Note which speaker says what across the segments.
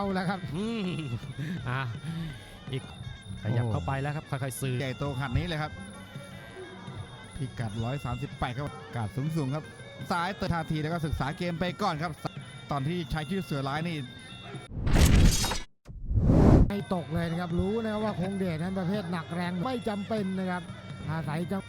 Speaker 1: แล้วครับ
Speaker 2: อีกขยับเข้าไปแล้วครับค่อยๆซื้อ
Speaker 3: ใหญ่โตขนาดนี้เลยครับพิกัด138ครับกาดสูงครับซ้ายเตะท่าทีแล้วก็ศึกษาเกมไปก่อนครับตอนที่ใช้ชื่อเสือร้ายนี่
Speaker 1: ไม่ตกเลยนะครับรู้นะครับว่าคงเดชนั้นประเภทหนักแรงไม่จำเป็นนะครับอาศัยจัง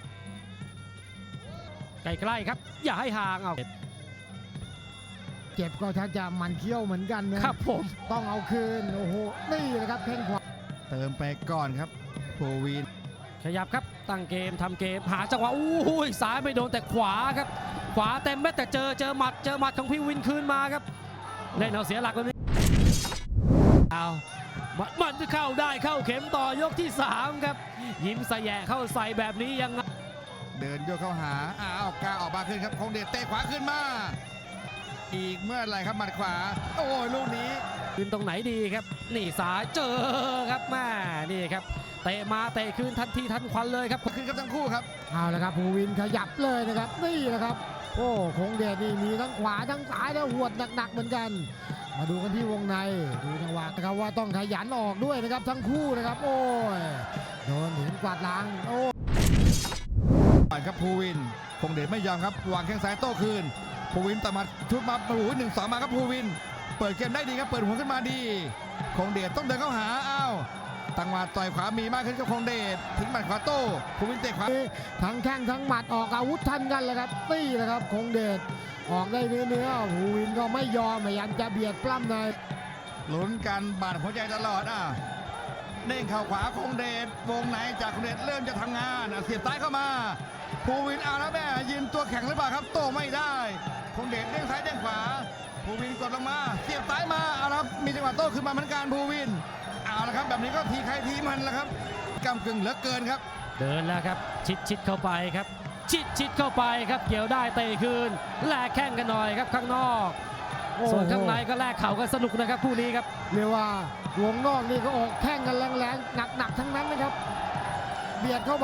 Speaker 2: ใกล้ๆครับอย่าให้ห่างเอา
Speaker 1: เจ็บก็ชักจะมันเขี้ยวเหมือนกันนะครับ
Speaker 2: ผม
Speaker 1: ต้องเอาคืนโอ้โหนี่แหละครับแข้งขวา
Speaker 3: เติมไปก่อนครับภูวิน
Speaker 2: ขยับครับตั้งเกมทำเกมหาจังหวะอู้ยซ้ายไม่โดนแต่ขวาครับขวาเต็มเม็ดแต่เจอหมัดของพี่วินคืนมาครับเล่นเอาเสียหลักแบบนี้เอามันจะเข้าได้เข้าเข็มต่อยกที่3ครับยิ้มใส่แย่เข้าใส่แบบนี้ยัง
Speaker 3: เดินโยกเข้าหาเอากาออกมาขึ้นครับคงเดชเตะขวาขึ้นมาอีกเมื่อไรครับหมัดขวาโอ้ยลูกนี้
Speaker 2: ขึ้นตรงไหนดีครับนี่ซ้ายเจอครับแม่นี่ครับเตะมาเตะคืนทันทีทันควันเลยครับ
Speaker 3: ขึ้นครับทั้งคู่ครับ
Speaker 1: เอาละครับภูวินขยับเลยนะครับนี่แหละครับโอ้คงเดชนี่มีทั้งขวาทั้งซ้ายแล้วหวดหนักๆเหมือนกันมาดูกันที่วงในดูจังหวะนะครับว่าต้องขยันออกด้วยนะครับทั้งคู่นะครับโอ้ยโดนหินกวาดล้างโอ้
Speaker 3: ครับภูวินคงเดชไม่ยอมครับวางแข้งซ้ายโต้คืนภูวินต่อมาชุดมาโอ้โห1-2มาครับภูวินเปิดเกมได้ดีครับเปิดหัวขึ้นมาดีคงเดชต้องเดินเข้าหาตั้งหมัดต่อยขวามีมากขึ้นกับคงเดชทิ้งหมัดขวาโต้ภูวินเตะขวา
Speaker 1: ทั้งแข้งทั้งหมัดออกอาวุธทันกันเลยครับนี่แหละครับคงเดชออกได้เนื้อภูวินก็ไม่ยอมพยายามจะเบียดปล้ำใน
Speaker 3: ลุ้นกันบาดหัวใจตลอดเด้งเข่าขวาคงเดชวงไหนจากคงเดชเริ่มจะทำงานเสียบซ้ายเข้ามาภูวินแล้วแม่ยืนตัวแข็งหรือเปล่าครับโต้ไม่ได้คงเดชเด้งซ้ายเด้งขวาภูวินกดลงมาเสียบซ้ายมาครับมีจังหวะโต้ขึ้นมาเหมือนกันภูวินละครับแบบนี้ก็ทีใครทีมันแล้วครับกำกึ่งเหลือเกินครับ
Speaker 2: เดินแล้วครับชิดเข้าไปครับชิดเข้าไปครับเกี่ยวได้เตะคืนแลกแข้งกันหน่อยครับข้างนอกส่วนข้างในก็แลกเข่ากันสนุกนะครับคู่นี้ครับ
Speaker 1: เรียกว่าวงนอกนี่ก็ออกแข้งกันแรงๆหนักทั้งนั้นนะครับเบียดเข้าไป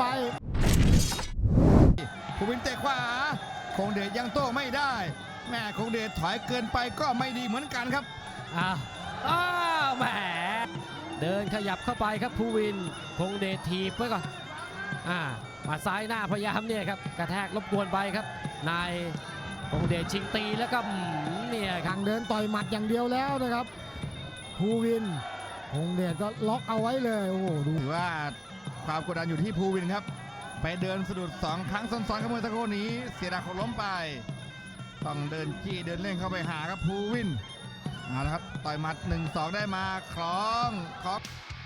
Speaker 3: ภูวินเตะขวาคงเดชยังโต้ไม่ได้แม่คงเดชถอยเกินไปก็ไม่ดีเหมือนกันครับ
Speaker 2: แหมเดินขยับเข้าไปครับภูวินคงเดชถีบไว้ก่อนมาซ้ายหน้าพยายามเนี่ยครับกระแทกรบกวนไปครับนายคงเดชชิงตีแล้วก็เนี่ย
Speaker 1: ทางเดินต่อยหมัดอย่างเดียวแล้วนะครับภูวินคงเดชก็ล็อกเอาไว้เลยโอ้โหดู
Speaker 3: ถือว่าความกดดันอยู่ที่ภูวินครับไปเดินสะดุด2 ครั้งซ้อนๆกับมือตะโกนี้เสียดายเขาล้มไปต้องเดินจี้เดินเล่นเข้าไปหาครับภูวินเอาละครับต่อยหมัด1-2ได้มาคล้อง